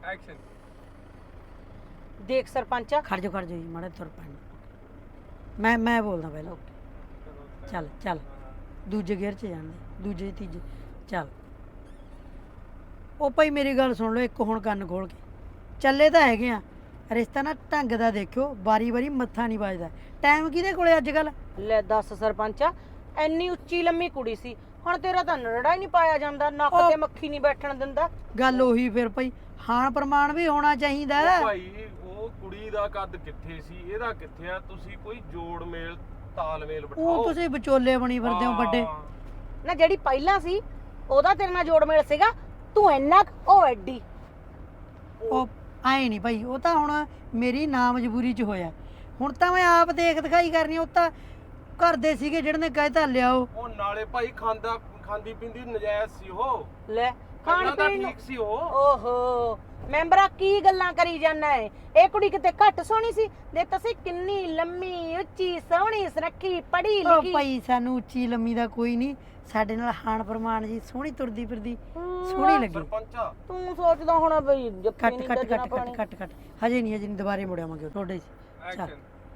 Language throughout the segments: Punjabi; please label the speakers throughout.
Speaker 1: ਐਕਸ਼ਨ।
Speaker 2: ਦੇਖ ਸਰਪੰਚਾ,
Speaker 3: ਖੜ ਜਾ ਜੀ ਮਾੜਾ ਤੁਰ ਪੈਣ ਮੈਂ ਬੋਲਦਾ ਪਹਿਲਾਂ ਚੱਲ ਚੱਲ ਦੂਜੇ ਗੇਅਰ 'ਚ ਜਾਂਦੇ ਦੂਜੇ ਤੀਜੇ ਚੱਲ। ਉਹ ਭਾਈ ਮੇਰੀ ਗੱਲ ਸੁਣ ਲਓ ਇੱਕ ਹੁਣ ਕੰਨ ਖੋਲ ਕੇ ਚੱਲੇ ਤਾਂ ਹੈਗੇ ਆ ਰਿਸ਼ਤਾ ਨਾ ਢੰਗ ਦਾ ਦੇਖਿਓ ਵਾਰੀ ਵਾਰੀ ਮੱਥਾ ਨਹੀਂ ਵੱਜਦਾ। ਟਾਈਮ ਕਿਹਦੇ ਕੋਲੇ ਅੱਜ ਕੱਲ?
Speaker 2: ਲੈ ਦੱਸ ਸਰਪੰਚਾ, ਐਨੀ ਉੱਚੀ ਲੰਮੀ ਕੁੜੀ ਸੀ, ਹੁਣ ਤੇਰਾ ਤਾਂ ਨਰੜਾ ਹੀ ਨਹੀਂ ਪਾਇਆ ਜਾਂਦਾ, ਨੱਕ ਤੇ ਮੱਖੀ ਨਹੀਂ ਬੈਠਣ ਦਿੰਦਾ।
Speaker 3: ਗੱਲ ਉਹੀ ਫਿਰ ਭਾਈ ਹਾਨ ਪ੍ਰਮਾਣ ਵੀ ਹੋਣਾ ਚਾਹੀਦਾ।
Speaker 1: ਭਾਈ ਉਹ ਕੁੜੀ ਦਾ ਕੱਦ ਕਿੱਥੇ ਸੀ, ਇਹਦਾ ਕਿੱਥੇ ਆ? ਤੁਸੀਂ ਕੋਈ ਜੋੜ ਮੇਲ ਤਾਲਮੇਲ ਬਿਠਾਓ।
Speaker 3: ਉਹ ਤੁਸੀਂ ਵਿਚੋਲੇ ਬਣੀ ਫਿਰਦੇ ਹੋ ਵੱਡੇ।
Speaker 2: ਨਾ ਜਿਹੜੀ ਪਹਿਲਾਂ ਸੀ ਉਹਦਾ ਤੇਰੇ ਨਾਲ ਜੋੜ ਮੇਲ ਸੀਗਾ, ਤੂੰ ਇੰਨਾ ਉਹ ਐਡੀ।
Speaker 3: ਉਹ ਆਏ ਨਹੀਂ ਭਾਈ, ਉਹ ਤਾਂ ਹੁਣ ਮੇਰੀ ਨਾ ਮਜਬੂਰੀ 'ਚ ਹੋਇਆ। ਹੁਣ ਤਾਂ ਮੈਂ ਆਪ ਦੇਖ ਦਿਖਾਈ ਕਰਨੀ। ਉਹ ਤਾਂ ਘਰ ਦੇ ਸੀਗੇ ਜਿਹੜੇ ਨੇ ਕਹਿਤਾ ਲਿਆਓ।
Speaker 1: ਉਹ ਨਾਲੇ ਭਾਈ ਖਾਂਦੀ ਪੀਂਦੀ ਨਜਾਇਜ਼ ਸੀ ਉਹ।
Speaker 2: ਲੈ ਖਾਣ
Speaker 1: ਖਾਣਾ ਤਾਂ
Speaker 2: ਪੀਣ ਨੂੰ
Speaker 1: ਠੀਕ ਸੀ ਉਹ।
Speaker 2: ਓਹੋ ਮੈਂਬਰਾ ਕੀ ਗੱਲਾਂ ਕਰੀ ਜਾਂਦਾ ਏ? ਇਹ ਕੁੜੀ ਕਿਤੇ ਘੱਟ ਸੋਹਣੀ ਸੀ? ਦੇ ਤੁਸੀਂ ਕਿੰਨੀ ਲੰਮੀ ਉੱਚੀ ਸੋਹਣੀ ਸੁਨੱਖੀ ਪੜ੍ਹੀ
Speaker 3: ਉਹ
Speaker 2: ਲਿਖੀ।
Speaker 3: ਭਾਈ ਸਾਨੂੰ ਉੱਚੀ ਲੰਮੀ ਦਾ ਕੋਈ ਨਹੀਂ, ਸਾਡੇ ਨਾਲ ਹਾਨ ਪ੍ਰਮਾਣ ਜੀ ਸੋਹਣੀ ਤੁਰਦੀ ਫਿਰਦੀ ਸੋਹਣੀ ਲੱਗੀ।
Speaker 1: ਸਰਪੰਚਾ
Speaker 2: ਤੂੰ ਸੋਚਦਾ ਹੋਣਾ ਬਈ ਜੱਫੀ
Speaker 3: ਕੱਟ
Speaker 2: ਨਹੀਂ
Speaker 3: ਕੱਟ
Speaker 2: ਦੱਜਣਾ
Speaker 3: ਕੱਟ
Speaker 2: ਪਾਣੀ।
Speaker 3: ਕੱਟ ਕੱਟ ਕੱਟ ਹਜੇ ਨਹੀਂ ਦੁਬਾਰੇ ਮੁੜਿਆਵਾਂਗੇ ਤੁਹਾਡੇ 'ਚ। ਚੱਲ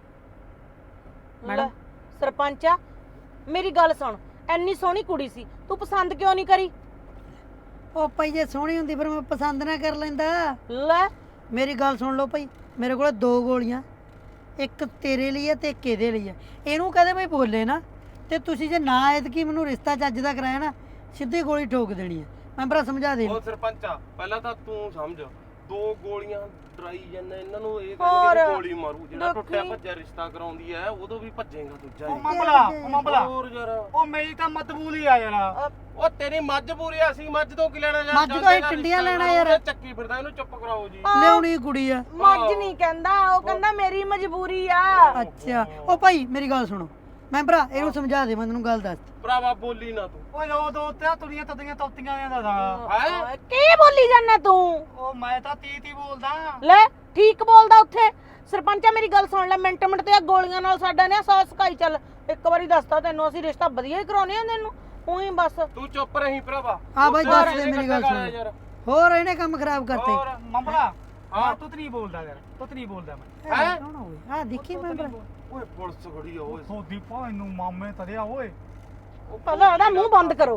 Speaker 2: ਮੈਡਮ ਸਰਪੰਚਾ ਮੇਰੀ ਗੱਲ ਸੁਣ, ਐਨੀ ਸੋਹਣੀ ਕੁੜੀ ਸੀ, ਤੂੰ ਪਸੰਦ ਕਿਉਂ ਨਹੀਂ ਕਰੀ?
Speaker 3: ਉਹ ਭਾਈ ਜੇ ਸੋਹਣੀ ਹੁੰਦੀ ਫਿਰ ਮੈਂ ਪਸੰਦ ਨਾ ਕਰ ਲੈਂਦਾ।
Speaker 2: ਲੈ
Speaker 3: ਮੇਰੀ ਗੱਲ ਸੁਣ ਲਓ ਭਾਈ, ਮੇਰੇ ਕੋਲ 2 ਗੋਲੀਆਂ, ਇੱਕ ਤੇਰੇ ਲਈ ਹੈ ਤੇ ਇੱਕ ਇਹਦੇ ਲਈ ਹੈ। ਇਹਨੂੰ ਕਹਦੇ ਭਾਈ ਬੋਲੇ ਨਾ, ਤੇ ਤੁਸੀਂ ਜੇ ਨਾ ਐਤਕੀ ਮੈਨੂੰ ਰਿਸ਼ਤਾ ਚੱਜ ਦਾ ਕਰਾਇਆ ਨਾ ਸਿੱਧੀ ਗੋਲੀ ਠੋਕ ਦੇਣੀ ਹੈ। ਮੈਂ ਭਰਾ ਸਮਝਾ ਦੇ।
Speaker 1: ਉਹ ਸਰਪੰਚਾ ਪਹਿਲਾਂ ਤਾਂ ਤੂੰ ਸਮਝ, 2 ਗੋਲੀਆਂ ਡਰਾਈ ਜਾਂਦਾ ਇਹਨਾਂ ਨੂੰ, ਇਹ
Speaker 2: ਹੋਰ
Speaker 1: ਕਹਿੰਦੇ ਗੋਲੀ ਮਾਰੂ। ਜਿਹੜਾ
Speaker 2: ਦੇਖੀ।
Speaker 1: ਟੁੱਟਿਆ ਭੱਜਿਆ ਰਿਸ਼ਤਾ ਕਰਾਉਂਦੀ ਐ ਉਦੋਂ ਵੀ ਭੱਜੇਗਾ ਦੂਜਾ
Speaker 4: ਉਹ
Speaker 1: ਹੀ।
Speaker 4: ਮਾਮਲਾ
Speaker 1: ਹੋਰ ਯਾਰ
Speaker 4: ਉਹ ਮੇਰੀ ਤਾਂ ਮਤਬੂਲ ਹੀ ਆ ਯਾਰ।
Speaker 1: ਉਹ ਤੇਰੀ ਮੱਝ ਪੂਰੀ ਆ, ਅਸੀਂ ਮੱਝ ਤੋਂ ਕੀ ਲੈਣਾ ਯਾਰ?
Speaker 3: ਮੱਝ ਤੋਂ ਅਸੀਂ ਟਿੰਡੀਆਂ ਲੈਣਾ ਯਾਰ।
Speaker 1: ਚੱਕੀ ਫਿਰਦਾ, ਇਹਨੂੰ ਚੁੱਪ ਕਰਾਓ ਜੀ।
Speaker 3: ਲਿਆਉਣੀ ਕੁੜੀ ਆ।
Speaker 2: ਮੱਝ ਨਹੀਂ ਕਹਿੰਦਾ, ਉਹ ਕਹਿੰਦਾ ਮੇਰੀ ਮਜਬੂਰੀ ਆ।
Speaker 3: ਅੱਛਾ ਉਹ ਭਾਈ ਮੇਰੀ ਗੱਲ ਸੁਣੋ, ਮੈਂ ਭਰਾ ਇਹਨੂੰ ਸਮਝਾ ਦੇ, ਮੈਂ ਤੈਨੂੰ ਗੱਲ ਦੱਸ।
Speaker 1: ਭਰਾਵਾ ਬੋਲੀ ਨਾ ਤੂੰ।
Speaker 4: ਓਏ ਦੋ ਤੇ ਤੁਰੀਆਂ ਤਦੀਆਂ ਤੋਤੀਆਂ ਜਾਂਦਾ ਦਾ।
Speaker 1: ਹੈ
Speaker 2: ਕੀ ਬੋਲੀ ਜਾਂਦਾ ਤੂੰ?
Speaker 4: ਉਹ ਮੈਂ ਤਾਂ ਤੀ ਬੋਲਦਾ।
Speaker 2: ਲੈ ਠੀਕ ਬੋਲਦਾ ਉੱਥੇ। ਸਰਪੰਚਾ ਮੇਰੀ ਗੱਲ ਸੁਣ ਲੈ, ਮਿੰਟ ਮਿੰਟ ਤੇ ਆ ਗੋਲੀਆਂ ਨਾਲ ਸਾਡਾ ਨੇ ਸੌ ਸਕਾਈ। ਚੱਲ ਇੱਕ ਵਾਰੀ ਦੱਸਤਾ ਤੈਨੂੰ, ਅਸੀਂ ਰਿਸ਼ਤਾ ਵਧੀਆ ਹੀ ਕਰਾਉਨੇ ਆ ਤੈਨੂੰ, ਉਹੀ ਬਸ।
Speaker 1: ਤੂੰ ਚੁੱਪ ਰਹੀ ਭਰਾਵਾ।
Speaker 3: ਆ ਬਾਈ
Speaker 1: ਹੋਰ
Speaker 3: ਦੱਸ ਦੇ
Speaker 1: ਇਹਨੇ
Speaker 3: ਮੇਰੀ ਗੱਲ
Speaker 1: ਕੱਟਾ
Speaker 3: ਸੁਣ।
Speaker 1: ਯਾਰ।
Speaker 3: ਹੋਰ ਇਹਨੇ ਕੰਮ ਖਰਾਬ ਕਰਤੇ।
Speaker 1: ਹੋਰ
Speaker 4: ਮਾਮਲਾ
Speaker 1: ਹਾਂ।
Speaker 4: ਤੂੰ ਨਹੀਂ ਬੋਲਦਾ ਯਾਰ, ਤੂੰ ਨਹੀਂ ਬੋਲਦਾ ਮੈਂ।
Speaker 1: ਹੈਂ?
Speaker 3: ਕੌਣ ਹੋਵੇ? ਆ ਦੇਖੀ ਮੈਂ ਭਰਾ।
Speaker 1: ਓਏ ਪੁਲਿਸ ਖੜੀ ਆ ਓਏ।
Speaker 4: ਸੋਦੀ ਪਾ ਇਹਨੂੰ ਮਾਮੇ ਤਰਿਆ ਓਏ।
Speaker 2: ਪਹਿਲਾਂ ਉਹਦਾ ਮੂੰਹ ਬੰਦ ਕਰੋ।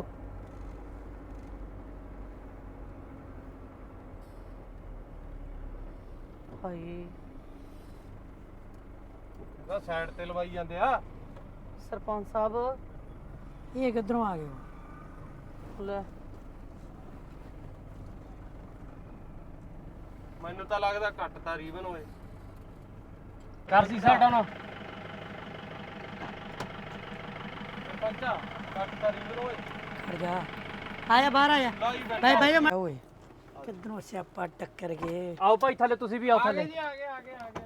Speaker 2: ਹਾਏ
Speaker 1: ਉਹਦਾ ਸਾਈਡ ਤੇ ਲਵਾਈ ਜਾਂਦੇ ਆ।
Speaker 2: ਸਰਪੰਚ ਸਾਹਿਬ
Speaker 3: ਇਹ ਕਿੱਧਰੋਂ ਆ ਗਏ?
Speaker 2: ਲੈ
Speaker 1: ਮੈਨੂੰ ਤਾਂ ਲੱਗਦਾ ਕੱਟਤਾ ਰੀਵਨ ਓਏ।
Speaker 4: ਕਰ ਸੀ ਸਾਡਾ ਨਾ।
Speaker 1: ਸਰਪੰਚਾ ਕੱਟਤਾ ਰੀਵਨ ਓਏ।
Speaker 3: ਖੜ ਜਾ, ਆਇਆ ਬਾਹਰ ਆਇਆ।
Speaker 1: ਲਾਈ ਬੈਠਾ।
Speaker 3: ਬਾਈ ਬਾਈ ਮੈਂ ਓਏ ਕਿੱਧਰੋਂ ਸਿਆਪਾ ਟੱਕਰ ਗਏ।
Speaker 4: ਆਓ ਭਾਈ ਥੱਲੇ, ਤੁਸੀਂ ਵੀ ਆਓ
Speaker 1: ਆ ਗਏ
Speaker 4: ਥੱਲੇ।
Speaker 1: ਜੀ, ਆ ਗਏ ਆ ਗਏ ਆ ਗਏ।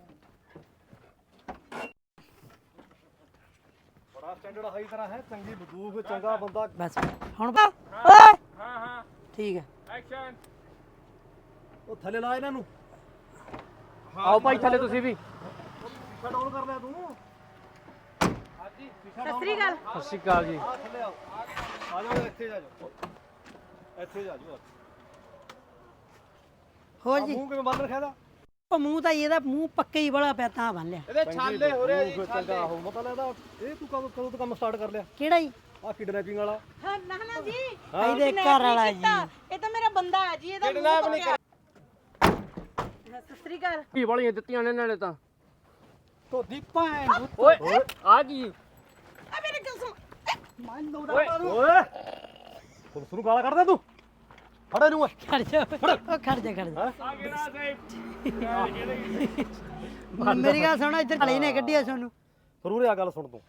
Speaker 4: ਬੜਾ ਸਟੈਂਡਰਡ ਹਾਈ ਤਰ੍ਹਾਂ ਹੈ, ਚੰਗੀ ਬੰਦੂਕ, ਚੰਗਾ ਬੰਦਾ।
Speaker 3: ਬਸ ਹੁਣ ਓਏ
Speaker 1: ਹਾਂ ਹਾਂ
Speaker 3: ਠੀਕ ਹੈ।
Speaker 1: ਐਕਸ਼ਨ।
Speaker 4: ਉਹ ਥੱਲੇ ਲਾ ਇਹਨਾਂ ਨੂੰ।
Speaker 1: ਆਓ
Speaker 4: ਭਾਈ ਥੱਲੇ ਤੁਸੀਂ ਵੀ। ਡਾਊਨ ਕਰ ਲਿਆ ਤੂੰ।
Speaker 1: ਹਾਂਜੀ
Speaker 2: ਸਤਿ ਸ੍ਰੀ ਅਕਾਲ।
Speaker 4: ਸਤਿ ਸ਼੍ਰੀ ਅਕਾਲ ਜੀ। ਆ ਥੱਲੇ ਆਓ। ਆ ਜਾਓ ਇੱਥੇ ਜਾ ਜਾਓ। ਇੱਥੇ ਜਾ ਜਾਓ।
Speaker 3: ਹੋਰ ਜੀ
Speaker 4: ਮੂੰਹ ਕਿਵੇਂ ਬੰਦ ਰੱਖਿਆ ਦਾ?
Speaker 3: ਉਹ ਮੂੰਹ ਤਾਂ ਇਹਦਾ ਮੂੰਹ ਪੱਕੇ ਹੀ ਬੜਾ ਪਿਆ ਤਾਂ ਬੰਨ ਲਿਆ।
Speaker 1: ਇਹਦੇ ਛਾਲੇ ਹੋ ਰਹੇ ਜੀ,
Speaker 4: ਚੰਗਾ
Speaker 1: ਛਾਲੇ।
Speaker 4: ਹੋ ਮਤਾ ਲੱਗਦਾ। ਇਹ ਤੂੰ ਕਦੋਂ ਤੋਂ ਕੰਮ ਸਟਾਰਟ ਕਰ ਲਿਆ?
Speaker 3: ਕਿਹੜਾ ਜੀ?
Speaker 4: ਆ ਕਿਡਨੈਪਿੰਗ ਵਾਲਾ।
Speaker 2: ਹਾਂ ਨਾ ਨਾ ਜੀ,
Speaker 3: ਇਹਦੇ ਘਰ ਵਾਲਾ ਜੀ।
Speaker 2: ਇਹ ਤਾਂ ਮੇਰਾ ਬੰਦਾ ਹੈ ਜੀ, ਇਹਦਾ
Speaker 1: ਕਿਡਨੈਪ ਨਹੀਂ ਕਰ।
Speaker 2: ਸਤਿ ਸ੍ਰੀ ਅਕਾਲ।
Speaker 4: ਕੀ ਵਾਲੀਆਂ ਦਿੱਤੀਆਂ ਨੇ ਨਾਲੇ ਤਾਂ।
Speaker 3: ਤੋਦੀ ਭੈਣ ਨੂੰ
Speaker 4: ਓਏ ਆ ਕੀ?
Speaker 2: ਆ ਮੇਰੇ ਗੱਲ ਸੁਣ।
Speaker 4: ਓਏ ਓਏ ਪੁਲਿਸ ਨੂੰ ਗਾਲਾਂ ਕੱਢਦਾ ਤੂੰ? ਫੜਾ ਨੂੰ ਓਏ।
Speaker 3: ਖੜ ਜਾ ਉਹ ਖੜ ਜਾ ਖੜ ਜਾ।
Speaker 1: ਆ ਗਿਆ ਨਾ ਸਹੀ।
Speaker 3: ਮੇਰੀ ਗੱਲ ਸੁਣ, ਇੱਧਰ ਖੜੇ ਨੇ ਕੱਢਿਆ ਤੁਹਾਨੂੰ।
Speaker 4: ਜ਼ਰੂਰ ਆ ਗੱਲ ਸੁਣ ਤੂੰ।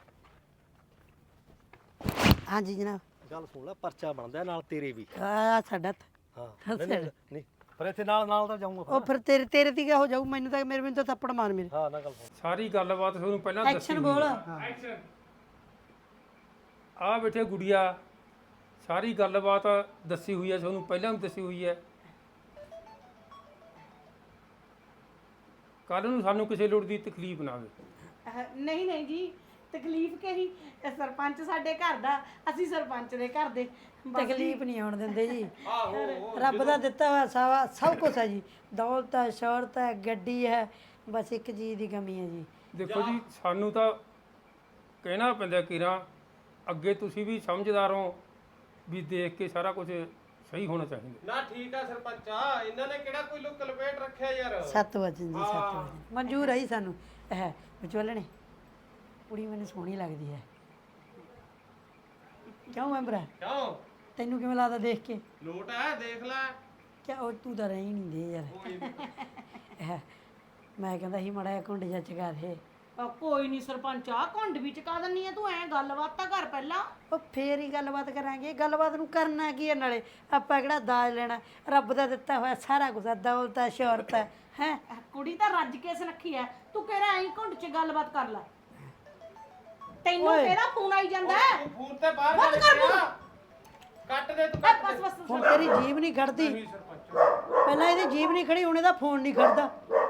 Speaker 3: ਹਾਂਜੀ ਜਨਾਬ।
Speaker 4: ਗੱਲ ਸੁਣ ਲੈ, ਪਰਚਾ ਬਣਦਾ ਨਾਲ ਤੇਰੇ ਵੀ।
Speaker 3: ਆ ਸਾਡਾ
Speaker 4: ਹਾਂ ਨਹੀਂ ਪਰ ਇੱਥੇ ਨਾਲ ਤਾਂ ਜਾਊਂਗਾ।
Speaker 3: ਉਹ ਫਿਰ ਤੇਰੇ ਤੇ ਕਿਆ ਹੋ ਜਾਊ? ਮੈਨੂੰ ਤਾਂ ਮੈਨੂੰ ਤਾਂ ਥੱਪੜ ਮਾਰ ਮੇਰੇ।
Speaker 4: ਹਾਂ ਨਾ ਗੱਲ ਸੁਣ।
Speaker 1: ਸਾਰੀ ਗੱਲਬਾਤ ਤੁਹਾਨੂੰ ਪਹਿਲਾਂ ਦੱਸੀ
Speaker 3: ਐਕਸ਼ਨ ਬੋਲ।
Speaker 1: ਐਕਸ਼ਨ। ਆ ਬੈਠੇ ਗੁੜੀਆ, ਸਾਰੀ ਗੱਲਬਾਤ ਦੱਸੀ ਹੋਈ ਹੈ ਤੁਹਾਨੂੰ, ਪਹਿਲਾਂ ਵੀ ਦੱਸੀ ਹੋਈ ਹੈ। ਕੱਲ ਨੂੰ ਸਾਨੂੰ ਕਿਸੇ ਲੋੜ ਦੀ ਤਕਲੀਫ ਨਾ ਆਵੇ।
Speaker 2: ਨਹੀਂ ਨਹੀਂ ਜੀ, ਤਕਲੀਫ ਕਹੀ ਇਹ ਸਰਪੰਚ ਸਾਡੇ ਘਰ ਦਾ, ਅਸੀਂ ਸਰਪੰਚ ਦੇ ਘਰ ਦੇ।
Speaker 3: ਤਕਲੀਫ ਨਹੀਂ ਆਉਣ ਦਿੰਦੇ ਜੀ।
Speaker 1: ਆਹੋ
Speaker 3: ਰੱਬ ਦਾ ਦਿੱਤਾ ਹੋਇਆ ਸਭ ਕੁਝ ਹੈ ਜੀ। ਦੌਲਤ ਹੈ, ਸ਼ੌਹਰਤ ਹੈ, ਗੱਡੀ ਹੈ, ਬਸ ਇੱਕ ਚੀਜ਼ ਦੀ ਕਮੀ ਹੈ ਜੀ।
Speaker 5: ਦੇਖੋ ਜੀ ਸਾਨੂੰ ਤਾਂ ਕਹਿਣਾ ਪੈਂਦਾ ਕਿਰਾਂ ਅੱਗੇ ਤੁਸੀਂ ਵੀ ਸਮਝਦਾਰ ਹੋ ਵੀ ਦੇਖ ਕੇ ਸਾਰਾ ਕੁਝ ਸਹੀ ਹੋਣਾ ਚਾਹੀਦਾ।
Speaker 1: ਨਾ ਠੀਕ ਆ ਸਰਪੰਚਾ, ਇਹਨਾਂ ਨੇ ਕਿਹੜਾ ਕੋਈ ਲੁੱਕ ਲਪੇਟ ਰੱਖਿਆ ਯਾਰ।
Speaker 3: 7 ਵਜੇ ਜੀ 7 ਵਜੇ ਮਨਜ਼ੂਰ ਹੈ ਜੀ ਸਾਨੂੰ। ਇਹ ਵਿਚੋਲਣੇ ਕੁੜੀ ਮੈਨੂੰ ਸੋਹਣੀ ਲੱਗਦੀ ਹੈ। ਕਿਉਂ ਮੈਂਬਰਾ,
Speaker 1: ਕਿਉਂ
Speaker 3: ਤੈਨੂੰ ਕਿਵੇਂ ਲੱਗਦਾ ਦੇਖ ਕੇ?
Speaker 1: ਲੋਟ ਹੈ, ਦੇਖ ਲੈ।
Speaker 3: ਕਿਆ ਉਹ ਤੂੰ ਤਾਂ ਰਹੀ ਨਹੀਂ ਦੇ ਯਾਰ। ਮੈਂ ਕਹਿੰਦਾ ਸੀ ਮੜਾ ਕੁੰਡ ਜਾ ਚਗਾ ਦੇ।
Speaker 2: ਕੋਈ ਨਹੀਂ ਸਰਪੰਚ ਆ ਘੁੰਡ ਵੀ ਚਕਾ ਦਿੰਨੀ ਆ, ਤੂੰ ਐ ਗੱਲਬਾਤ ਤਾਂ ਕਰ ਪਹਿਲਾਂ।
Speaker 3: ਉਹ ਫੇਰ ਹੀ ਗੱਲਬਾਤ ਕਰਾਂਗੇ। ਗੱਲਬਾਤ ਨੂੰ ਕਰਨਾ ਕੀ ਹੈ ਨਾਲੇ? ਆਪਾਂ ਕਿਹੜਾ ਦਾਜ ਲੈਣਾ? ਰੱਬ ਦਾ ਦਿੱਤਾ ਹੋਇਆ ਸਾਰਾ ਕੁਝ, ਦੌਲਤ ਹੈ, ਸ਼ੌਹਰਤ ਹੈ। ਹੈ
Speaker 2: ਕੁੜੀ ਤਾਂ ਰੱਜ ਕੇ ਸੁਨੱਖੀ ਐ, ਤੂੰ ਕਿਹੜਾ ਐਂ ਘੁੰਡ 'ਚ ਗੱਲਬਾਤ ਕਰ ਲੈ। ਤੈਨੂੰ ਕਿਹੜਾ ਫੋਨ ਆਈ ਜਾਂਦਾ ਹੈ?
Speaker 1: ਤੂੰ ਫੋਨ ਤੇ ਬਾਹਰ
Speaker 2: ਬੰਦ
Speaker 1: ਜਾ
Speaker 2: ਕਰ ਫੋਨ।
Speaker 1: ਕੱਟ ਦੇ ਤੂੰ,
Speaker 2: ਐ
Speaker 1: ਕੱਟ
Speaker 2: ਬਸ
Speaker 1: ਦੇ।
Speaker 2: ਬਸ
Speaker 3: ਹੁਣ ਤੇਰੀ ਜੀਭ ਨਹੀਂ ਖੜਦੀ।
Speaker 1: ਨਹੀਂ ਸਰਪੰਚ,
Speaker 3: ਪਹਿਲਾਂ ਇਹਦੀ ਜੀਭ ਨਹੀਂ ਖੜੀ, ਹੁਣ ਇਹਦਾ ਫੋਨ ਨਹੀਂ ਖੜਦਾ।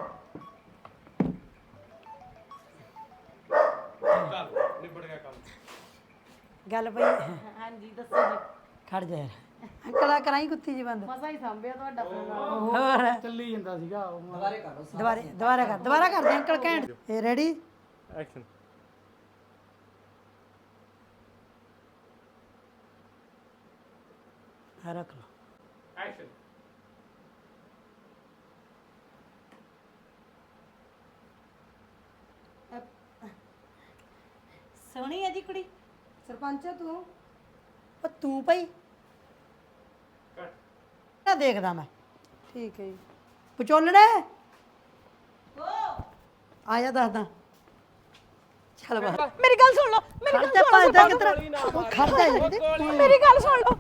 Speaker 1: ਚੱਲ ਨਿਬੜ ਗਿਆ ਕੰਮ।
Speaker 3: ਗੱਲ ਪਈ
Speaker 2: ਹਾਂਜੀ ਦੱਸੋ ਜੀ।
Speaker 3: ਖੜ ਜਾ ਯਾਰ। ਅੰਕਲਾ ਕਰਾਈ ਕੁੱਤੀ ਜੀ ਬੰਦ।
Speaker 2: ਮਸਾ ਹੀ ਸੰਭਿਆ ਤੁਹਾਡਾ ਫੋਨ।
Speaker 3: ਹੋਰ
Speaker 4: ਚੱਲੀ ਜਾਂਦਾ ਸੀਗਾ ਉਹ।
Speaker 3: ਦੁਬਾਰਾ ਕਰ ਦੇ ਅੰਕਲ ਕਹਿਣ। ਇਹ ਰੈਡੀ?
Speaker 1: ਐਕਸ਼ਨ।
Speaker 3: ਹਾਂ ਰੱਖ ਲਓ।
Speaker 1: ਐਕਸ਼ਨ।
Speaker 2: ਸੋਹਣੀ ਹੈ ਜੀ ਕੁੜੀ।
Speaker 3: ਸਰਪੰਚ ਤੂੰ? ਉਹ ਤੂੰ ਭਾਈ
Speaker 1: ਕੱਟ।
Speaker 3: ਨਾ ਦੇਖਦਾ ਮੈਂ। ਠੀਕ ਹੈ ਜੀ। ਵਿਚੋਲਣੇ ਆਇਆ ਦੱਸਦਾ। ਚੱਲ ਬਾਹਰ।
Speaker 2: ਮੇਰੀ ਗੱਲ ਸੁਣ ਲਓ, ਮੇਰੀ ਗੱਲ
Speaker 3: ਖੜਦਾ
Speaker 2: ਸੁਣ ਲਓ
Speaker 3: ਭੱਜਦਾ
Speaker 2: ਸਰਪੰਚ।
Speaker 3: ਕਿਧਰ? ਉਹ ਖੜਦਾ ਜੀ।
Speaker 2: ਮੇਰੀ ਗੱਲ ਸੁਣ ਲਓ।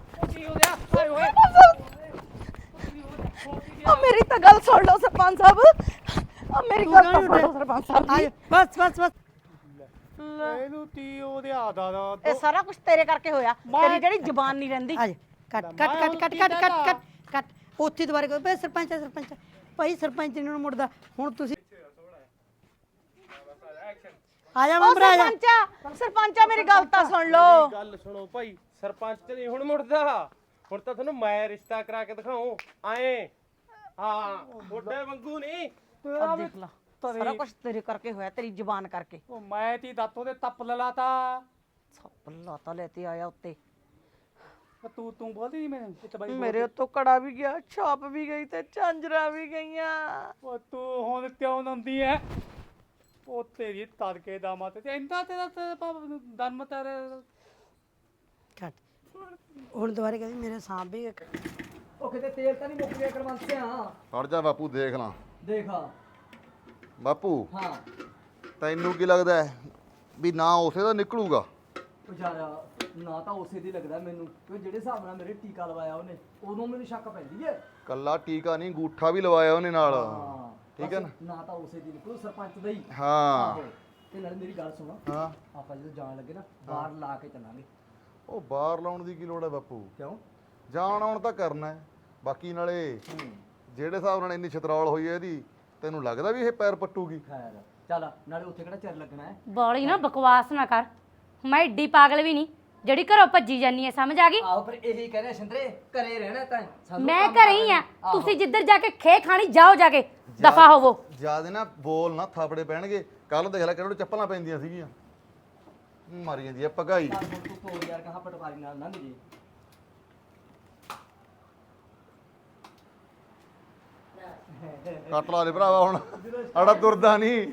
Speaker 2: ਮੇਰੀ ਤਾਂ ਗੱਲ ਸੁਣ ਲਓ ਸਰਪੰਚ ਸਾਹਿਬ। ਮੇਰੀ ਗੱਲ ਤਾਂ ਸੁਣ ਲਓ ਸਰਪੰਚ ਸਾਹਿਬ ਜੀ।
Speaker 3: ਬਸ ਬਸ ਬਸ।
Speaker 4: ਇਹਨੂੰ ਤੀ ਉਹਦੇ ਆਦਾ ਦਾ
Speaker 2: ਇਹ ਸਾਰਾ ਕੁਝ ਤੇਰੇ ਕਰਕੇ ਹੋਇਆ। ਤੇਰੀ ਜਿਹੜੀ ਜ਼ੁਬਾਨ ਨਹੀਂ ਰਹਿੰਦੀ।
Speaker 3: ਆ ਜਾ ਕੱਟ ਕੱਟ ਕੱਟ ਕੱਟ ਕੱਟ ਕੱਟ ਕੱਟ ਕੱਟ। ਉੱਥੇ ਦੁਬਾਰੇ ਕਰੋ ਭਾਈ। ਸਰਪੰਚ ਹੈ, ਸਰਪੰਚ ਹੈ। ਭਾਈ ਸਰਪੰਚ ਨੂੰ ਮੁੜਦਾ ਹੁਣ ਤੁਸੀਂ। ਆ ਜਾ
Speaker 2: ਉਹ
Speaker 3: ਮੈਂਬਰ ਆ ਜਾ।
Speaker 2: ਸਰਪੰਚਾ ਮੇਰੀ ਗੱਲ ਤਾਂ ਸੁਣ ਲਓ।
Speaker 1: ਗੱਲ ਸੁਣੋ ਭਾਈ, ਸਰਪੰਚ ਤੇ ਨਹੀਂ ਹੁਣ ਮੁੜਦਾ। ਹੁਣ ਤਾਂ ਤੁਹਾਨੂੰ ਮੈਂ ਰਿਸ਼ਤਾ ਕਰਾ ਕੇ ਦਿਖਾਉਂ ਆਏ। ਹਾਂ ਥੋੜੇ ਵਾਂਗੂ ਨਹੀਂ।
Speaker 2: ਆ ਦੇਖ ਲਾ, ਸਾਰਾ ਕੁਝ ਤੇਰੇ ਕਰਕੇ ਹੋਇਆ, ਤੇਰੀ ਜ਼ੁਬਾਨ ਕਰਕੇ।
Speaker 4: ਉਹ ਮੈਂ ਤੀ ਦਾਤੋਂ ਦੇ ਤੱਪ ਲਲਾਤਾ।
Speaker 2: ਸੱਪ ਲਾਤਾ ਲੈ ਤੇ ਆਇਆ ਉੱਤੇ।
Speaker 4: ਤੂੰ ਬੋਲਦੀ ਨਹੀਂ ਮੈਨੂੰ ਇੱਥੇ ਬਾਈ।
Speaker 2: ਮੇਰੇ ਉੱਤੋਂ ਕੜਾ ਵੀ ਗਿਆ, ਛਾਪ ਵੀ ਗਈ ਤੇ ਝਾਂਜਰਾਂ ਵੀ ਗਈਆਂ।
Speaker 4: ਉਹ ਤੂੰ ਹੁਣ ਕਿਉਂ ਨੰਦੀ ਐ? ਉਹ ਤੇਰੀ ਤੜਕੇ ਦਾ ਮਤ ਤੇ ਇੰਦਾ ਤੇਰਾ ਦਮ ਤੇਰੇ।
Speaker 3: ਕੱਟ ਹੁਣ ਦੁਬਾਰੇ ਕਹਿੰਦੀ ਮੇਰੇ ਸਾਹ ਵੀ
Speaker 6: ਉਹ ਕਿਤੇ ਤੇਲ ਤਾਂ ਨਹੀਂ ਮੁੱਕ ਗਿਆ ਕਰਵੰਸਿਆ?
Speaker 7: ਹਟ ਜਾ ਬਾਪੂ, ਦੇਖ ਲਾਂ।
Speaker 6: ਦੇਖਾ।
Speaker 7: ਬਾਪੂ
Speaker 6: ਹਾਂ
Speaker 7: ਤੈਨੂੰ ਕੀ ਲੱਗਦਾ ਹੈ ਵੀ ਨਾ ਉਸੇ ਦਾ ਨਿਕਲੂਗਾ?
Speaker 6: ਉਹ ਯਾਰ ਨਾ ਤਾਂ ਉਸੇ ਦੀ ਲੱਗਦਾ ਮੈਨੂੰ, ਕਿਉਂ ਜਿਹੜੇ ਹਿਸਾਬ ਨਾਲ ਮੇਰੇ ਟੀਕਾ ਲਵਾਇਆ ਉਹਨੇ, ਉਦੋਂ ਮੈਨੂੰ ਸ਼ੱਕ ਪੈਂਦੀ ਹੈ।
Speaker 7: ਕੱਲਾ ਟੀਕਾ ਨਹੀਂ, ਅੰਗੂਠਾ ਵੀ ਲਵਾਇਆ ਉਹਨੇ ਨਾਲ।
Speaker 6: ਹਾਂ
Speaker 7: ਠੀਕ ਹੈ
Speaker 6: ਬਸ ਨਾ ਤਾਂ ਉਸੇ ਦੀ ਨਿਕਲੂ, ਸਰਪੰਚ ਦਾ ਹੀ।
Speaker 7: ਹਾਂ
Speaker 6: ਆਹੋ। ਤੇ ਨਾਲੇ ਮੇਰੀ ਗੱਲ ਸੁਣੋ,
Speaker 7: ਹਾਂ।
Speaker 6: ਆਪਾਂ ਜਦੋਂ ਜਾਣ ਲੱਗੇ ਨਾ ਬਾਹਰ ਲਾ ਕੇ ਚੱਲਾਂਗੇ।
Speaker 7: ਉਹ ਬਾਹਰ ਲਾਉਣ ਦੀ ਕੀ ਲੋੜ ਹੈ ਬਾਪੂ?
Speaker 6: ਕਿਉਂ?
Speaker 7: ਜਾਣ ਆਉਣ ਤਾਂ ਕਰਨਾ ਹੈ। ਬਾਕੀ ਨਾਲੇ ਜਿਹੜੇ ਹਿਸਾਬ ਨਾਲ ਇੰਨੀ ਛਤਰੌਲ ਹੋਈ ਹੈ ਇਹਦੀ, ਤੈਨੂੰ ਲੱਗਦਾ ਵੀ ਇਹ ਪੈਰ ਪੱਟੂਗੀ?
Speaker 6: ਖੈਰ ਚੱਲ, ਨਾਲੇ ਉੱਥੇ ਕਿਹੜਾ ਚਿਰ ਲੱਗਣਾ ਹੈ।
Speaker 8: ਬੋਲੀ ਨਾ ਬਕਵਾਸ ਨਾ ਕਰ। ਮੈਂ ਏਡੀ ਪਾਗਲ ਵੀ ਨਹੀਂ ਜਿਹੜੀ ਘਰੋਂ ਭੱਜੀ ਜਾਨੀ ਐ, ਸਮਝ ਆ ਗਈ?
Speaker 6: ਆਹੋ ਫਿਰ ਇਹੀ ਕਹਿੰਦੇ ਸਿੰਦਰੇ, ਘਰੇ ਰਹਿਣਾ ਤਾਂ ਸਾਨੂੰ
Speaker 8: ਮੈਂ
Speaker 6: ਕੰਮ
Speaker 8: ਘਰੇ ਹੀ ਆ।
Speaker 6: ਕਰਨਾ।
Speaker 8: ਤੁਸੀਂ ਜਿੱਧਰ ਜਾ ਕੇ ਖੇ ਖਾਣੀ ਜਾਓ, ਜਾ ਕੇ ਦਫਾ ਹੋਵੋ।
Speaker 7: ਜਿਆਦੇ ਨਾ ਬੋਲ ਨਾ, ਥਾਪੜੇ ਪੈਣਗੇ। ਕੱਲ ਦੇਖ ਲੈ ਕਿਹੜੇ ਚੱਪਲਾਂ ਪੈਂਦੀਆਂ ਸੀਗੀਆਂ। ਮਾਰੀ ਜਾਂਦੀ ਆ ਭਗਾਈ।
Speaker 6: ਚੱਲ ਹੁਣ ਤੂੰ ਤੋੜ ਯਾਰ, ਕਹਾਂ ਪਟਵਾਰੀ ਨਾਲ ਨਾ ਮਿਲੀ।
Speaker 7: ਕੱਟ ਲਾ ਦੇ ਭਰਾਵਾ ਹੁਣ, ਆੜਾ ਤੁਰਦਾ ਨਹੀਂ।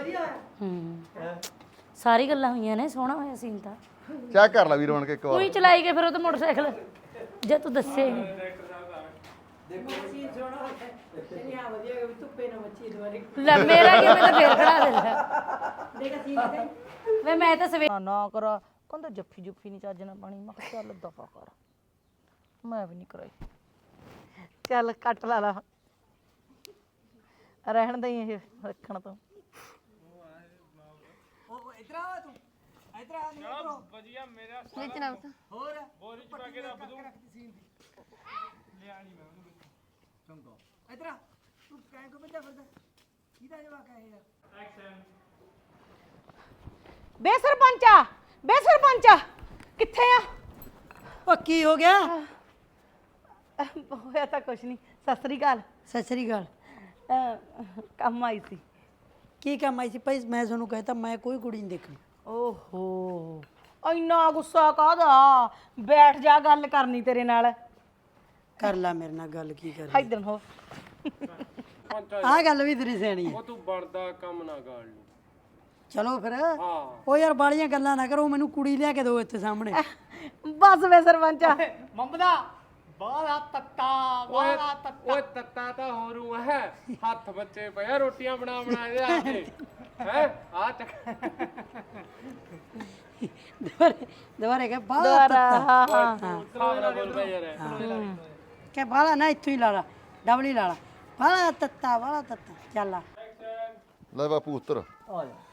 Speaker 8: ਸਾਰੀ ਗੱਲਾਂ ਹੋਈਆਂ ਨੇ, ਸੋਹਣਾ ਹੋਇਆ ਸੀਨ ਤਾਂ।
Speaker 7: ਚੈੱਕ ਕਰ ਲੈ ਵੀਰ ਬਣ ਕੇ ਇੱਕ ਵਾਰ।
Speaker 8: ਤੂੰ ਹੀ ਚਲਾਈ ਗਏ ਫਿਰ ਉਹ ਤਾਂ ਮੋਟਰਸਾਈਕਲ, ਜੇ ਤੂੰ ਦੱਸੇ ਹੀ ਨਹੀਂ। ਲੈ ਮੇਰਾ ਕੀ, ਮੈਂ ਤਾਂ ਫੇਰ ਖੜਾ ਦਿੰਦਾ। ਵੇ ਮੈਂ ਤਾਂ ਸਵੇਰ
Speaker 2: ਨਾ ਕਰਾ, ਕਹਿੰਦਾ ਜੱਫੀ ਜੁੱਫੀ ਨਹੀਂ ਚੱਜ ਨਾਲ ਪਾਣੀ। ਮੈਂ ਕਿਹਾ ਚੱਲ ਦਫਾ ਕਰ, ਮੈਂ ਵੀ ਨਹੀਂ ਕਰਾਈ। ਚੱਲ ਕੱਟ ਲਾ ਲਾ, ਰਹਿਣ ਦੇ ਇਹ ਰੱਖਣ ਤੋਂ।
Speaker 4: ਉਹ ਇਧਰ ਆ ਤੂੰ, ਇਧਰ ਆ ਨਹੀਂ ਉਧਰੋਂ।
Speaker 1: ਵਧੀਆ ਮੇਰਾ
Speaker 4: ਹੋਰ
Speaker 1: ਬੋਰੀ ਚ ਪਾ ਕੇ ਰੱਖ ਦੂੰ।
Speaker 4: ਲਿਆ ਨਹੀਂ ਮੈਂ ਉਹਨੂੰ ਚੰਗਾ। ਇਧਰ ਆ ਤੂੰ, ਕਹਿ ਕੋ ਬੰਦਾ ਫਿਰਦਾ? ਕਿਹਦਾ ਜਵਾਕ ਹੈ ਇਹ?
Speaker 1: ਐਕਸ਼ਨ।
Speaker 2: ਬੇ ਸਰਪੰਚਾ ਕਿੱਥੇ ਆ?
Speaker 3: ਉਹ ਕੀ ਹੋ ਗਿਆ?
Speaker 2: ਹੋਇਆ ਤਾਂ ਕੁਛ ਨਹੀਂ। ਸਤਿ ਸ੍ਰੀ ਅਕਾਲ।
Speaker 3: ਸਤਿ ਸ੍ਰੀ ਅਕਾਲ।
Speaker 2: ਕੰਮ ਆਈ ਸੀ।
Speaker 3: ਕੀ ਕੰਮ ਆਈ ਸੀ ਭਾਈ? ਮੈਂ ਤੁਹਾਨੂੰ ਕਹਿਤਾ ਮੈਂ ਕੋਈ ਕੁੜੀ ਨਹੀਂ ਦੇਖਣੀ।
Speaker 2: ਓਹੋ ਇੰਨਾ ਗੁੱਸਾ ਕਾਹਦਾ? ਬੈਠ ਜਾ, ਗੱਲ ਕਰਨੀ ਤੇਰੇ ਨਾਲ।
Speaker 3: ਕਰ ਲੈ ਮੇਰੇ ਨਾਲ ਗੱਲ, ਕੀ ਕਰ
Speaker 2: ਇੱਧਰ ਹੋ।
Speaker 3: ਆਹ ਗੱਲ ਵੀ ਤੇਰੀ ਸਿਆਣੀ ਹੈ।
Speaker 1: ਉਹ ਤੂੰ ਬਣਦਾ ਕੰਮ ਨਾ ਗਾਲ ਨੂੰ।
Speaker 3: ਚਲੋ ਫਿਰ।
Speaker 1: ਹਾਂ
Speaker 3: ਉਹ ਯਾਰ ਬਾਲੀਆਂ ਗੱਲਾਂ ਨਾ ਕਰੋ, ਮੈਨੂੰ ਕੁੜੀ ਲਿਆ ਕੇ ਦਿਓ ਇੱਥੇ ਸਾਹਮਣੇ।
Speaker 2: ਬਸ ਵੇ ਸਰਪੰਚਾ।
Speaker 4: ਮੰਮਦਾ ਬਾਲਾ ਤੱਤਾ ਬਾਲਾ ਤੱਤਾ।
Speaker 1: ਓਏ ਤੱਤਾ ਤਾਂ ਹੋਰੂ ਹੈ, ਹੱਥ ਬੱਚੇ ਪਿਆ ਰੋਟੀਆਂ ਬਣਾ ਇਹਦੇ ਆਤੇ ਹੈ ਆ ਚੱਕ।
Speaker 3: ਦੁਬਾਰੇ ਕਹ ਬਾਲਾ
Speaker 2: ਦੁਬਾਰਾ
Speaker 3: ਤੱਤਾ।
Speaker 2: ਹਾਂ
Speaker 1: ਹਿਸਾਬ ਨਾਲ ਬੋਲ ਬਈ ਯਾਰ।
Speaker 3: ਕਹ ਬਾਲਾ ਨਾ ਇੱਥੋਂ ਹੀ ਲਾ ਲਾ, ਡਬਲ ਹੀ ਲਾ ਲਾ। ਬਾਲਾ ਤੱਤਾ ਬਾਲਾ ਤੱਤਾ। ਚੱਲ ਆ।
Speaker 7: ਲੈ ਬਾਪੂ ਉੱਤਰ
Speaker 6: ਆ ਜਾ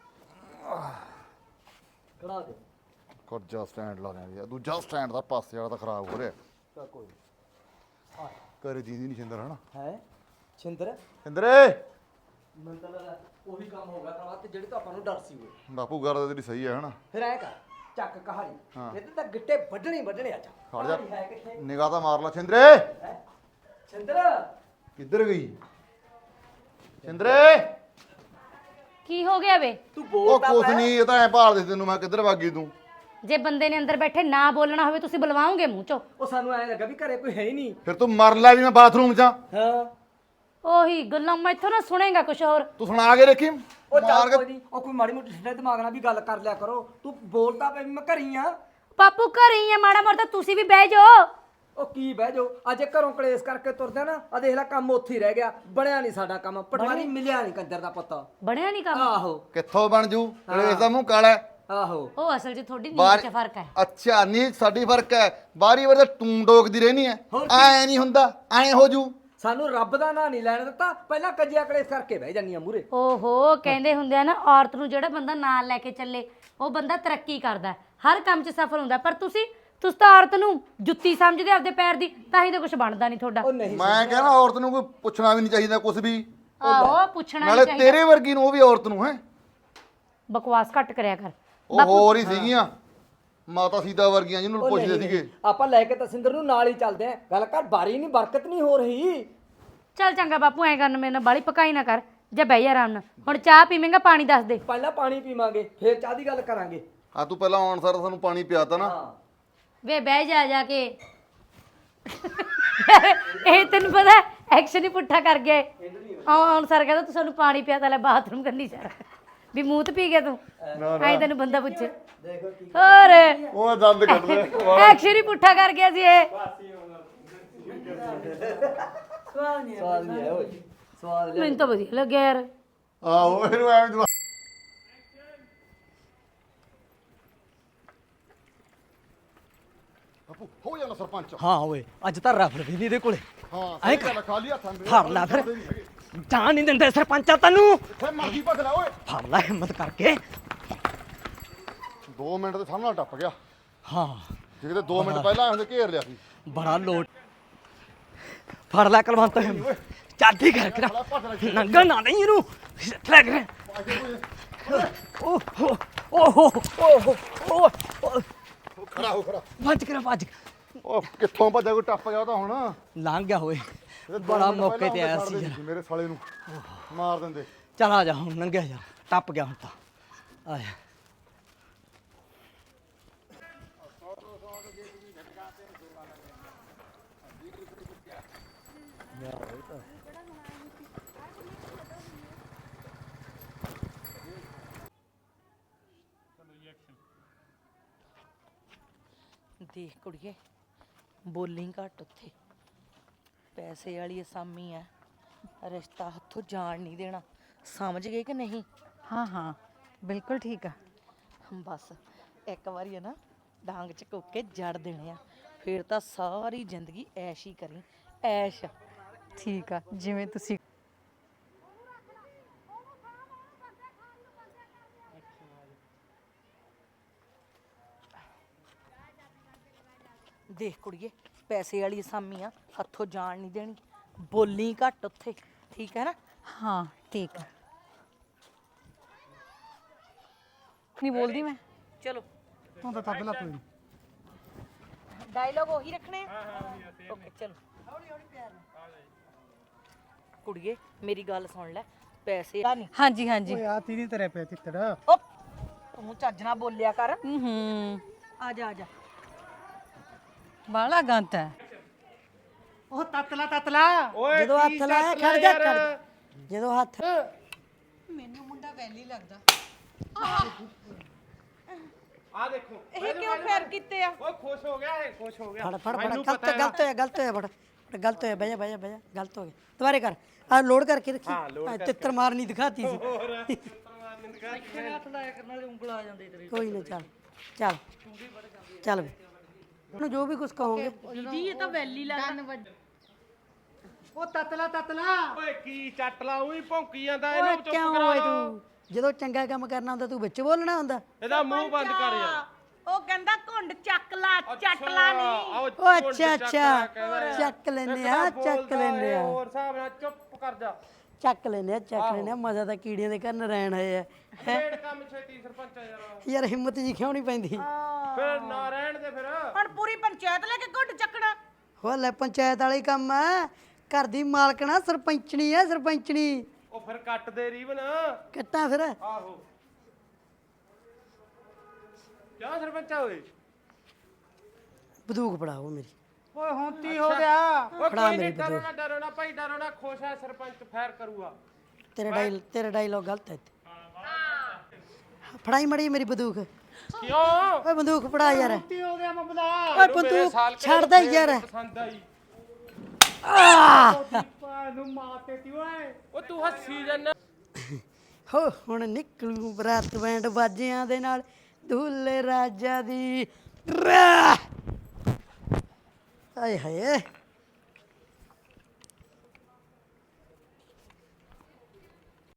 Speaker 6: ਖੜਾ ਦੇ
Speaker 7: ਕਰਜਾ ਸਟੈਂਡ ਲਾ ਲਿਆ ਦੂਜਾ ਸਟੈਂਡ ਦਾ ਪਾਸੇ ਵਾਲਾ ਤਾਂ ਖਰਾਬ ਹੋ ਰਿਹਾ।
Speaker 6: ਤਾਂ ਕੋਈ
Speaker 7: ਘਰੇ ਜੀਂਦੀ ਨਹੀਂ ਛਿੰਦਰ ਹਨਾ।
Speaker 6: ਹੈ ਛਿੰਦਰ
Speaker 7: ਛਿੰਦਰੇ
Speaker 6: ਮੈਨੂੰ ਤਾਂ ਲੱਗਦਾ ਉਹੀ ਕੰਮ ਹੋ ਗਿਆ ਤਾਂ ਤੇ ਜਿਹੜੇ ਤਾਂ ਆਪਾਂ ਨੂੰ ਡਰ ਸੀ ਉਹ।
Speaker 7: ਬਾਪੂ ਗੱਲ ਤਾਂ ਤੇਰੀ ਸਹੀ ਹੈ ਹਨਾ।
Speaker 6: ਫਿਰ ਐ ਕਰ ਚੱਕ ਕਹਾਣੀ ਇਹਦੇ ਤਾਂ ਗਿੱਟੇ ਵੱਢਣੇ ਅੱਜ।
Speaker 7: ਖੜ ਜਾ
Speaker 6: ਕਹਾਣੀ ਹੈ ਕਿੱਥੇ?
Speaker 7: ਨਿਗਾਹ ਤਾਂ ਮਾਰ ਲਾ ਛਿੰਦਰੇ।
Speaker 6: ਹੈਂ? ਛਿੰਦਰ
Speaker 7: ਕਿੱਧਰ ਗਈ ਛਿੰਦਰੇ?
Speaker 8: ਕੀ ਹੋ ਗਿਆ ਵੇ?
Speaker 6: ਤੂੰ
Speaker 7: ਉਹ
Speaker 6: ਬੋਲ ਤਾਂ
Speaker 7: ਕੁਛ
Speaker 6: ਪੈ।
Speaker 7: ਨਹੀਂ, ਇਹ ਤਾਂ ਐ ਭਾਲਦੇ ਸੀ ਤੈਨੂੰ ਮੈਂ ਕਿੱਧਰ ਵਾਗੀ ਤੂੰ।
Speaker 8: ਜੇ ਬੰਦੇ ਨੇ ਅੰਦਰ ਬੈਠੇ ਨਾ ਬੋਲਣਾ ਹੋਵੇ ਤੁਸੀਂ ਬੁਲਵਾਓਗੇ ਮੂੰਹ ਚੋਂ।
Speaker 6: ਉਹ ਸਾਨੂੰ ਐ ਲੱਗਾ ਵੀ ਘਰੇ ਕੋਈ ਹੈ ਹੀ ਨਹੀਂ।
Speaker 7: ਫਿਰ ਤੂੰ ਮਰ ਲੈ ਵੀ ਮੈਂ ਬਾਥਰੂਮ 'ਚ ਆਂ।
Speaker 6: ਹਾਂ
Speaker 8: ਉਹੀ ਗੱਲਾਂ ਮੈਥੋਂ ਨਾ ਸੁਣੇਗਾ ਕੁਛ ਹੋਰ।
Speaker 7: ਤੂੰ ਸੁਣਾ ਕੇ ਦੇਖੀ।
Speaker 6: ਉਹ
Speaker 7: ਮਾਰ
Speaker 6: ਚੱਲ
Speaker 7: ਕੇ
Speaker 6: ਕੋਈ ਨਹੀਂ, ਉਹ ਕੋਈ ਮਾੜੀ ਮੋਟੀ ਸਿੱਧੇ ਦਿਮਾਗ ਨਾਲ ਵੀ ਗੱਲ ਕਰ ਲਿਆ ਕਰੋ। ਤੂੰ ਬੋਲਦਾ ਪਈ ਮੈਂ ਘਰੀ ਆ।
Speaker 8: ਬਾਪੂ ਘਰੇ ਹੀ ਆ, ਮਾੜਾ ਮੋਟਾ ਤੁਸੀਂ ਵੀ ਬਹਿ ਜਾਓ।
Speaker 6: ਉਹ ਕੀ ਬਹਿ ਜਾਓ, ਅੱਜ ਘਰੋਂ ਕਲੇਸ਼ ਕਰਕੇ ਤੁਰਦਾ ਨਾ ਆ ਦੇਖ ਲੈ ਕੰਮ ਉੱਥੇ ਹੀ ਰਹਿ ਗਿਆ। ਬਣਿਆ ਨਹੀਂ ਸਾਡਾ ਕੰਮ, ਪਟਵਾਰੀ ਮਿਲਿਆ ਨਹੀਂ ਕੰਜਰ ਦਾ ਪੁੱਤ।
Speaker 8: ਬਣਿਆ ਨਹੀਂ ਕੰਮ।
Speaker 6: ਆਹੋ
Speaker 7: ਕਿੱਥੋਂ ਬਣ ਜੂ ਕਲੇਸ਼ ਦਾ ਮੂੰਹ ਕਾਲਾ ਹੈ।
Speaker 6: ਆਹੋ
Speaker 8: ਉਹ ਅਸਲ 'ਚ ਤੁਹਾਡੀ ਨੀਂਦ 'ਚ ਫਰਕ ਹੈ।
Speaker 7: ਅੱਛਾ ਨੀ ਸਾਡੀ ਫਰਕ ਹੈ। ਬਾਰੀ ਵਾਰ ਤਾਂ ਤੂੰ ਡੋਕਦੀ ਰਹਿਣੀ ਹੈ। ਐ ਨਹੀਂ ਹੁੰਦਾ, ਐ ਹੋ ਜੂ।
Speaker 6: ਸਾਨੂੰ ਰੱਬ ਦਾ ਨਾਂ ਨਹੀਂ ਲੈਣ ਦਿੱਤਾ, ਪਹਿਲਾਂ ਕੱਜਿਆ ਕਲੇਸ਼ ਕਰਕੇ ਬਹਿ ਜਾਂਦੀਆਂ ਮੂਰੇ।
Speaker 8: ਓਹੋ ਕਹਿੰਦੇ ਹੁੰਦੇ ਆ ਨਾ, ਔਰਤ ਨੂੰ ਜਿਹੜਾ ਬੰਦਾ ਨਾਲ ਲੈ ਕੇ ਚੱਲੇ ਉਹ ਬੰਦਾ ਤਰੱਕੀ ਕਰਦਾ, ਹਰ ਕੰਮ 'ਚ ਸਫਲ ਹੁੰਦਾ। ਪਰ ਤੁਸੀਂ ਤਾਂ ਔਰਤ ਨੂੰ ਜੁੱਤੀ ਸਮਝਦੇ ਆਪਦੇ ਪੈਰ ਦੀ, ਤਾਂ ਹੀ ਤਾਂ ਕੁਝ ਬਣਦਾ ਨਹੀਂ ਤੁਹਾਡਾ।
Speaker 6: ਉਹ ਨਹੀਂ
Speaker 7: ਮੈਂ ਕਹਿੰਦਾ ਔਰਤ ਨੂੰ ਕੋਈ ਪੁੱਛਣਾ ਵੀ ਨਹੀਂ ਚਾਹੀਦਾ ਕੁਝ ਵੀ।
Speaker 8: ਆਹੋ ਪੁੱਛਣਾ
Speaker 7: ਨਾਲੇ
Speaker 8: ਨਹੀਂ ਚਾਹੀਦਾ।
Speaker 7: ਤੇਰੇ ਵਰਗੀ ਨੂੰ ਉਹ ਵੀ ਔਰਤ ਨੂੰ ਹੈ।
Speaker 8: ਬਕਵਾਸ ਘੱਟ ਕਰਿਆ ਕਰ।
Speaker 7: ਉਹ ਹੋਰ ਹੀ ਸੀਗੀਆਂ ਮਾਤਾ ਸੀਤਾ ਵਰਗੀਆਂ ਜਿਹਨੂੰ
Speaker 6: ਉਹ
Speaker 7: ਪੁੱਛਦੇ
Speaker 6: ਨਹੀਂ,
Speaker 7: ਸੀਗੇ।
Speaker 6: ਆਪਾਂ ਲੈ ਕੇ ਤਸਿੰਦਰ ਨੂੰ ਨਾਲ ਹੀ ਚੱਲਦੇ ਆਂ। ਗੱਲ ਕਰ ਬਾਰੀ ਨਹੀਂ, ਬਰਕਤ ਨਹੀਂ ਹੋ ਰਹੀ।
Speaker 8: ਚੱਲ ਚੰਗਾ ਬਾਪੂ, ਐ ਕਰਨ ਮੇਰੇ ਨਾਲ ਬਾਲੀ ਪਕਾਈ ਨਾ ਕਰ, ਜਾਂ ਬਹਿ ਜਾ ਆਰਾਮ ਨਾਲ। ਹੁਣ ਚਾਹ ਪੀਵੇਂਗਾ, ਪਾਣੀ ਦੱਸ ਦੇ।
Speaker 6: ਪਹਿਲਾਂ ਪਾਣੀ ਪੀਵਾਂਗੇ ਫੇਰ ਚਾਹ ਦੀ ਗੱਲ ਕਰਾਂਗੇ।
Speaker 7: ਆ ਤੂੰ ਪਹਿਲਾਂ ਆਉਣ ਸਾਰ ਸਾਨੂੰ ਪਾਣੀ ਪਿਆਤਾ ਨਾ।
Speaker 6: ਹਾਂ
Speaker 8: ਵੇ ਬਹਿ ਜਾ ਕੇ। ਇਹ ਤੈਨੂੰ ਪਤਾ ਐਕਸ਼ਨ ਹੀ ਪੁੱਠਾ ਕਰ ਗਿਆ। ਹੁਣ ਸਰ ਕਹਿੰਦਾ ਤੂੰ ਸਾਨੂੰ ਪਾਣੀ ਪਿਆ, ਤਾਂ ਲੈ ਬਾਥਰੂਮ ਕਰਨੀ ਚਾਹ ਵੀ ਮੂੰਹ ਤੇ ਪੀ ਗਿਆ ਤੂੰ। ਐ ਤੈਨੂੰ ਬੰਦਾ ਪੁੱਛੇ ਹੋਰ।
Speaker 7: ਉਹ ਦੰਦ ਕੱਢਦੇ
Speaker 8: ਐਕਸ਼ਨ ਹੀ ਪੁੱਠਾ ਕਰ ਗਿਆ ਸੀ ਇਹ।
Speaker 6: ਸਵਾਦ ਨਹੀਂ ਆਇਆ ਓਏ, ਸਵਾਦ ਲਿਆ।
Speaker 8: ਮੈਨੂੰ ਤਾਂ ਵਧੀਆ ਲੱਗਿਆ ਯਾਰ।
Speaker 7: ਆਹੋ ਇਹਨੂੰ ਐਵੇਂ ਜਵਾ- ਬਾਪੂ ਹੋ ਜਾਣਾ ਸਰਪੰਚ।
Speaker 6: ਹਾਂ ਓਏ ਅੱਜ ਤਾਂ ਰਫਲ ਵੀ ਨਹੀਂ ਇਹਦੇ ਕੋਲੇ।
Speaker 7: ਹਾਂ
Speaker 6: ਐਂ
Speaker 7: ਸਹੀ ਗੱਲ ਆ, ਖਾਲੀ ਹੱਥਾਂ ਦੇ
Speaker 6: ਫੜ ਲੈ ਫਿਰ। ਜਾਣ ਨਹੀਂ ਦਿੰਦੇ ਸਰਪੰਚਾ ਤੈਨੂੰ।
Speaker 7: ਫੇ ਮਰਦੀ ਭੱਜ ਲੈ ਓਏ।
Speaker 6: ਫੜ ਲੈ ਹਿੰਮਤ ਕਰਕੇ।
Speaker 7: 2 ਮਿੰਟ ਦੇ ਸਾਹਮਣੇ ਟੱਪ ਗਿਆ।
Speaker 6: ਹਾਂ
Speaker 7: ਜੇ ਕਿਤੇ 2 ਮਿੰਟ ਪਹਿਲਾਂ ਹੁੰਦੇ ਘੇਰ ਲਿਆ ਸੀ।
Speaker 6: ਬੜਾ ਲੋਟ। ਫੜ ਲੈ ਕਲਵੰਤ, ਚਾਦੀ ਕਰ ਕੇ ਨੰਗਾ ਨਾ ਨਹੀਂ ਇਹਨੂੰ ਲੈ ਕੇ। ਓਹ
Speaker 7: ਖੜਾ ਹੋ ਖੜਾ।
Speaker 6: ਭੱਜ ਕੇ ਭੱਜ।
Speaker 7: ਉਹ ਕਿੱਥੋਂ ਭੱਜਿਆ, ਕੋਈ ਟੱਪ ਗਿਆ ਉਹ ਤਾਂ ਹੁਣ।
Speaker 6: ਲੰਘ ਗਿਆ ਹੋਏ,
Speaker 7: ਇਹ ਦੋ
Speaker 6: ਬੜਾ
Speaker 7: ਮਿੰਟ
Speaker 6: ਮੌਕੇ
Speaker 7: ਪਹਿਲਾਂ
Speaker 6: ਤੇ ਆਇਆ
Speaker 7: ਛੱਡ
Speaker 6: ਸੀ
Speaker 7: ਦੇ
Speaker 6: ਯਾਰ।
Speaker 7: ਮੇਰੇ ਸਾਲੇ ਨੂੰ ਮਾਰ ਦਿੰਦੇ।
Speaker 6: ਚੱਲ ਆ ਜਾ ਹੁਣ, ਲੰਘਿਆ ਯਾਰ, ਟੱਪ ਗਿਆ ਹੁਣ ਤਾਂ। ਆ ਜਾ।
Speaker 2: ਦੇਖ ਕੁੜੀਏ, ਬੋਲੀ ਘੱਟ ਉੱਥੇ। ਪੈਸੇ ਵਾਲੀ ਅਸਾਮੀ ਆ, ਰਿਸ਼ਤਾ ਹੱਥੋਂ ਜਾਣ ਨਹੀਂ ਦੇਣਾ। ਸਮਝ ਗਏ ਕਿ ਨਹੀਂ?
Speaker 9: हाँ हाँ बिल्कुल ठीक है।
Speaker 2: ਬਸ ਇੱਕ ਵਾਰੀ ਹੈ ਨਾ ਡਾਂਗ ਚ ਕੋਕੇ ਜੜ ਦੇਣੇ ਆ, ਫਿਰ ਤਾਂ ਸਾਰੀ ਜ਼ਿੰਦਗੀ ਐਸ਼ ਹੀ ਕਰੀ, ਐਸ਼।
Speaker 9: ठीक है जिवें तुसी।
Speaker 2: ਦੇਖ ਕੁੜੀਏ, ਪੈਸੇ ਵਾਲੀ ਅਸਾਮੀ ਆ, ਹੱਥੋਂ ਜਾਣ ਨਹੀਂ ਦੇਣੀ। ਬੋਲੀ ਘੱਟ ਉੱਥੇ, ਠੀਕ ਹੈ ਨਾ?
Speaker 9: हाँ ठीक है। ਨਹੀਂ ਬੋਲਦੀ ਮੈਂ
Speaker 2: ਚਲੋ
Speaker 4: ਤੂੰ ਤਾਂ ਤਬਲਾ ਕੋਈ ਨਹੀਂ
Speaker 2: ਡਾਇਲੌਗ ਉਹੀ ਰੱਖਣੇ ਆ ਓਕੇ ਚਲੋ ਕੁੜੀਏ ਮੇਰੀ ਗੱਲ ਸੁਣ ਲੈ ਪੈਸੇ ਆ ਨਹੀਂ
Speaker 9: ਹਾਂਜੀ ਹਾਂਜੀ
Speaker 4: ਓਏ ਆ ਤੀਨੀ ਤੇਰੇ ਪੈ ਤਿੱਤੜ
Speaker 2: ਓਪ ਤੂੰ ਚੱਜ ਨਾਲ ਬੋਲਿਆ ਕਰ
Speaker 9: ਹੂੰ
Speaker 2: ਆ ਜਾ ਆ ਜਾ
Speaker 9: ਬਾਲਾ ਗੰਤ ਹੈ
Speaker 4: ਉਹ ਤਤਲਾ
Speaker 1: ਓਏ
Speaker 3: ਜਦੋਂ ਹੱਥ ਲਾਇਆ ਖੜ ਜਾ ਖੜ ਜਾ। ਜਦੋਂ ਹੱਥ
Speaker 1: ਆ ਦੇਖੋ
Speaker 2: ਇਹ ਕਿਉਂ ਫੇਰ ਕੀਤੇ ਆ
Speaker 1: ਓਏ ਖੁਸ਼ ਹੋ ਗਿਆ ਇਹ ਖੁਸ਼ ਹੋ ਗਿਆ
Speaker 3: ਫੜ ਫੜ ਫੜ
Speaker 1: ਮੈਨੂੰ
Speaker 3: ਗਲਤ
Speaker 1: ਪਤਾ ਹੈ।
Speaker 3: ਗਲਤ ਹੋਇਆ ਗਲਤ ਹੋਇਆ ਫੜ ਗਲਤ ਹੋਇਆ ਬਹਿ ਜਾ ਬਹਿ ਜਾ ਬਹਿ ਜਾ ਗਲਤ ਹੋ ਗਿਆ ਦੁਬਾਰੇ ਕਰ ਆ ਲੋਡ ਕਰਕੇ ਰੱਖੀ
Speaker 1: ਹਾਂ, ਲੋਡ ਕਰਕੇ।
Speaker 3: ਤਿੱਤਰ ਮਾਰਨੀ ਦਿਖਾਤੀ ਸੀ
Speaker 2: ਤੇਰੇ
Speaker 3: ਕੋਈ ਨਾ ਚੱਲ ਚੱਲ ਚੱਲ ਵੇ ਉਹਨੂੰ ਜੋ ਵੀ ਕੁਝ ਕਹੋਗੇ
Speaker 2: ਦੀਦੀ ਇਹ ਤਾਂ ਵੈਲੀ ਲੱਗਦਾ
Speaker 4: ਉਹ ਤਤਲਾ
Speaker 1: ਓਏ ਕੀ ਚੱਟ ਲਾ ਉਹੀ ਭੌਂਕੀ ਜਾਂਦਾ
Speaker 3: ਓਏ
Speaker 1: ਇਹਨੂੰ ਚੁੱਪ
Speaker 3: ਕਿਉਂ
Speaker 1: ਕਰਾ
Speaker 3: ਓਏ
Speaker 1: ਲਓ।
Speaker 3: ਤੂੰ ਜਦੋਂ ਚੰਗਾ ਕੰਮ ਕਰਨਾ ਹੁੰਦਾ ਤੂੰ ਵਿੱਚ ਬੋਲਣਾ ਹੁੰਦਾ
Speaker 1: ਇਹਦਾ ਮੂੰਹ ਬੰਦ ਕਰ ਯਾਰ
Speaker 2: ਉਹ ਕਹਿੰਦਾ ਘੁੰਡ ਚੱਕ ਲਾ ਚੱਟ ਲਾ ਨਹੀਂ
Speaker 3: ਓ ਅੱਛਾ ਅੱਛਾ ਚੱਕ ਲੈਨੇ ਆ ਚੱਕ ਲੈਨੇ ਆ
Speaker 1: ਹੋਰ ਹਿਸਾਬ ਨਾਲ ਚੁੱਪ ਕਰ ਜਾ
Speaker 3: ਚੱਕ ਲੈਨੇ ਆ ਚੱਕ ਲੈਨੇ ਆ ਮਜ਼ਾ ਤਾਂ ਕੀੜੀਆਂ ਦੇ ਕੰਨ ਰਹਿਣ ਆਏ ਆ
Speaker 1: ਖੇਡ ਕੰਮ ਛੇਤੀ ਸਰਪੰਚ ਯਾਰ
Speaker 3: ਯਾਰ ਹਿੰਮਤ ਜੀ ਕਿਉਂ ਨਹੀਂ ਪੈਂਦੀ
Speaker 1: ਫਿਰ ਨਾ ਰਹਿਣ ਦੇ ਫਿਰ
Speaker 2: ਹੁਣ ਪੂਰੀ ਪੰਚਾਇਤ ਲੈ ਕੇ ਘੁੰਡ ਚੱਕਣਾ
Speaker 3: ਹੋ ਲੈ ਪੰਚਾਇਤ ਵਾਲੀ ਕੰਮ ਆ ਘਰ ਦੀ ਮਾਲਕਣਾ ਸਰਪੰਚਣੀ ਆ ਸਰਪੰਚਣੀ
Speaker 1: ਉਹ ਫਿਰ ਕੱਟ ਦੇ ਰੀਵਨ
Speaker 3: ਕੱਟਾਂ ਫਿਰ
Speaker 1: ਆਹੋ ਕਿਆ ਸਰਪੰਚ ਆ ਓਏ
Speaker 3: ਬੰਦੂਕ ਫੜਾਓ ਮੇਰੀ
Speaker 4: ਓਏ ਹੁਣ ਕੀ ਹੋ ਗਿਆ
Speaker 1: ਓਏ
Speaker 3: ਫੜਾ
Speaker 1: ਕੋਈ
Speaker 3: ਮੇਰੀ
Speaker 1: ਨਹੀਂ ਡਰੋ ਨਾ ਭਾਈ ਡਰੋ ਨਾ ਖੁਸ਼ ਹੈ ਸਰਪੰਚ ਫਾਇਰ ਕਰੂਗਾ
Speaker 3: ਤੇਰਾ ਡਾਇਲੌਗ ਗਲਤ ਹੈ ਇੱਥੇ। ਫੜਾਈ ਮੜੀ ਮੇਰੀ ਬੰਦੂਕ
Speaker 1: ਕਿਉਂ
Speaker 3: ਓਏ ਬੰਦੂਕ ਫੜਾ ਯਾਰ
Speaker 4: ਕੀ ਹੋ ਗਿਆ ਮਮਲਾ
Speaker 3: ਓਏ ਬੰਦੂਕ ਛੱਡਦਾ ਯਾਰ
Speaker 1: ਪਸੰਦ ਆਈ
Speaker 4: ਪਾ ਨੂੰ ਮਾਤੇ ਤੀ ਓਏ
Speaker 1: ਉਹ ਤੂੰ ਹੱਸੀ ਜਾਂਦਾ
Speaker 3: ਹੋ ਹੁਣ ਨਿਕਲੂ ਬਰਾਤ ਬੈਂਡ ਬਾਜਿਆਂ ਦੇ ਨਾਲ ਦੁੱਲੇ ਰਾਜਾ ਦੀ ਆਏ ਹਾਏ